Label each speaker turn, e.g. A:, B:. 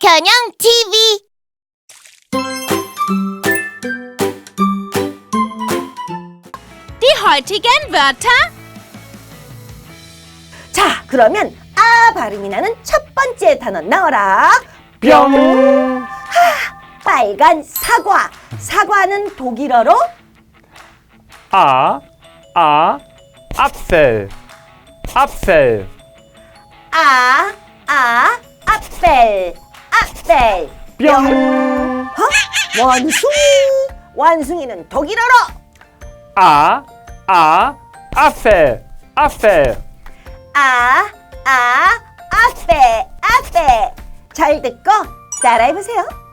A: 박현영 TV.
B: Die heutigen Wörter.
C: 자, 그러면 아 발음이 나는 첫 번째 단어 나와라.
D: 뿅!
C: 빨간 사과. 사과는 독일어로
D: Apfel. Apfel.
C: 아펠. 아펠.
D: 뿅!
C: 원숭이. 원숭이는 독일어로
D: Apfel. Apfel.
C: 아페. 잘 듣고 따라해보세요.